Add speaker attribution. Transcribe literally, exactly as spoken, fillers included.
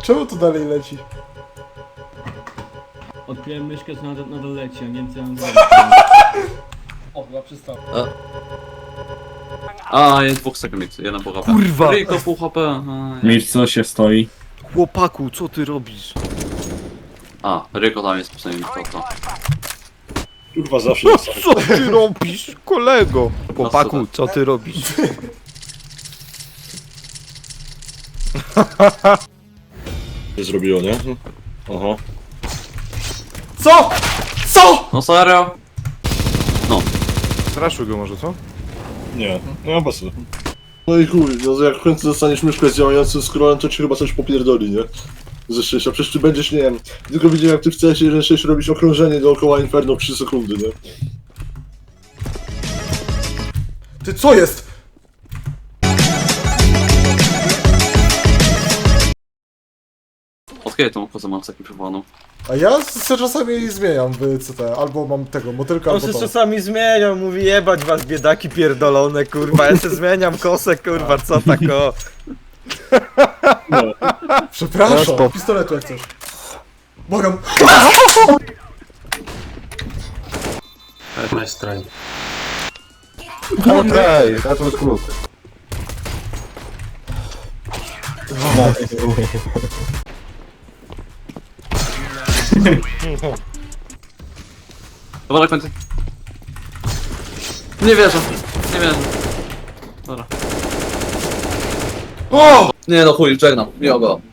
Speaker 1: Czemu to dalej leci?
Speaker 2: Odkryłem myszkę, co nadal, nadal leci, a nie wiem co mam zrobić.
Speaker 3: O, chyba przystał.
Speaker 4: A, jest dwóch sekund, jeden po H P.
Speaker 5: Kurwa!
Speaker 4: Ryjko pół H P. A,
Speaker 5: Milcz, co się stoi?
Speaker 6: Chłopaku, co ty robisz?
Speaker 4: A, Ryjko tam jest przynajmniej to to.
Speaker 7: Kurwa, zawsze jest.
Speaker 6: Co ty robisz, kolego? Chłopaku, co ty robisz?
Speaker 7: się zrobiło, nie? Aha.
Speaker 1: Co? Co?
Speaker 4: No serio?
Speaker 6: Straszył go może, co?
Speaker 7: Nie, no bez sensu. No i chuj, no jak w końcu dostaniesz myszkę z działającym scrollem, to ci chyba coś popierdoli, nie? Ze szczęścia, przecież ty będziesz, nie wiem, tylko widziałem jak ty w C S jeden sześć robisz okrążenie dookoła Inferno w trzy sekundy, nie?
Speaker 1: Ty co jest?
Speaker 4: Od kiedy tą kozę mam zaklipowaną?
Speaker 1: A ja se czasami zmieniam w C T, albo mam tego, motylka,
Speaker 6: On
Speaker 1: albo
Speaker 6: się
Speaker 1: to.
Speaker 6: czasami zmieniał, mówi jebać was biedaki pierdolone, kurwa, ja się zmieniam kosę, kurwa, co tak o.
Speaker 1: Przepraszam, pistoletu jak coś. Błagam.
Speaker 3: Nice try.
Speaker 5: Okej, that was good.
Speaker 4: Dobra, na końcu. Nie wierzę, nie wierzę. Dobra.
Speaker 1: O!
Speaker 4: Nie no chuj, żegnam, miło go.